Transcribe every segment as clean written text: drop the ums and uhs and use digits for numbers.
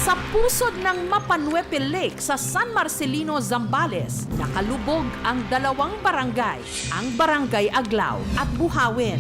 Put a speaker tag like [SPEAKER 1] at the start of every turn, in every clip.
[SPEAKER 1] Sa pusod ng Mapanuepe Lake sa San Marcelino, Zambales, nakalubog ang dalawang barangay, ang Barangay Aglao at Buhawin.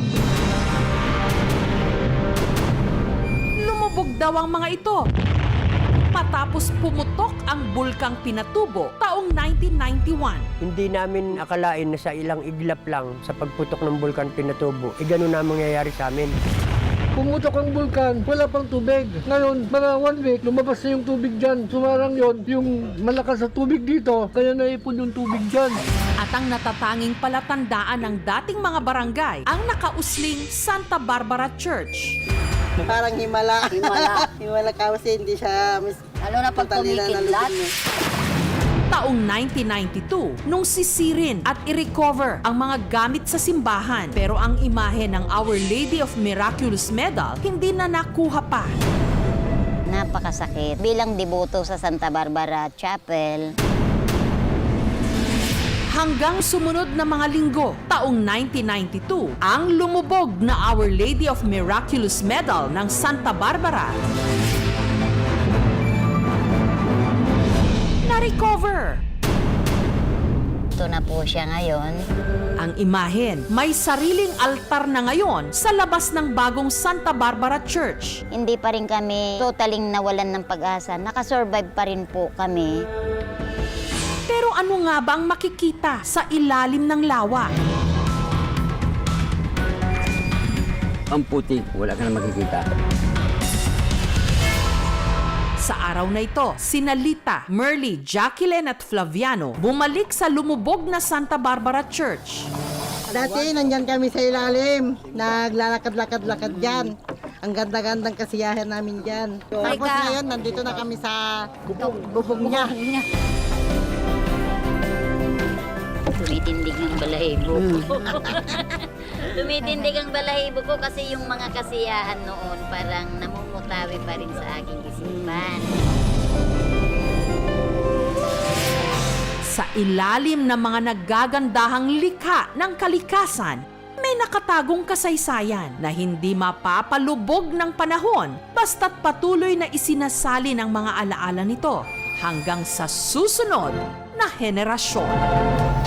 [SPEAKER 1] Lumubog daw ang mga ito matapos pumutok ang bulkang Pinatubo taong 1991.
[SPEAKER 2] Hindi namin akalain na sa ilang iglap lang sa pagputok ng bulkan Pinatubo, ganun na mangyayari sa amin.
[SPEAKER 3] Pumutok ang bulkan, wala pang tubig. Ngayon, mga 1 week, lumabas na yung tubig dyan. Sumarang yon, yung malakas na tubig dito, kaya naipon yung tubig dyan.
[SPEAKER 1] At ang natatanging palatandaan ng dating mga barangay, ang nakausling Santa Barbara Church.
[SPEAKER 4] Parang himala. Himala kasi hindi siya
[SPEAKER 5] Lalo na pag kumikidlat.
[SPEAKER 1] Taong 1992, nung sisirin at i-recover ang mga gamit sa simbahan. Pero ang imahe ng Our Lady of Miraculous Medal hindi na nakuha pa.
[SPEAKER 5] Napakasakit. Bilang deboto sa Santa Barbara Chapel,
[SPEAKER 1] Hanggang sumunod na mga linggo, taong 1992, ang lumubog na Our Lady of Miraculous Medal ng Santa Barbara na-recover.
[SPEAKER 5] ito na po siya ngayon.
[SPEAKER 1] Ang imahen, may sariling altar na ngayon sa labas ng bagong Santa Barbara Church.
[SPEAKER 5] Hindi pa rin kami totaling nawalan ng pag-asa. Nakasurvive pa rin po kami.
[SPEAKER 1] Pero ano nga ba ang makikita sa ilalim ng lawa?
[SPEAKER 6] Ang putik, wala ka na makikita.
[SPEAKER 1] Sa araw na ito, sina Lita, Merly, Jacqueline at Flaviano bumalik sa lumubog na Santa Barbara Church.
[SPEAKER 4] Dati, nandyan kami sa ilalim. Naglalakad-lakad-lakad dyan. Ang ganda-gandang kasiyahan namin dyan. Tapos ngayon, nandito na kami sa bubog niya.
[SPEAKER 5] Tumitindig ang balahibo ko. Tumitindig ang balahibo ko kasi yung mga kasiyahan noon parang namumutawi pa rin sa aking isipan.
[SPEAKER 1] Sa ilalim ng mga naggagandahang likha ng kalikasan, may nakatagong kasaysayan na hindi mapapalubog ng panahon basta't patuloy na isinasali ng mga alaala nito hanggang sa susunod na henerasyon.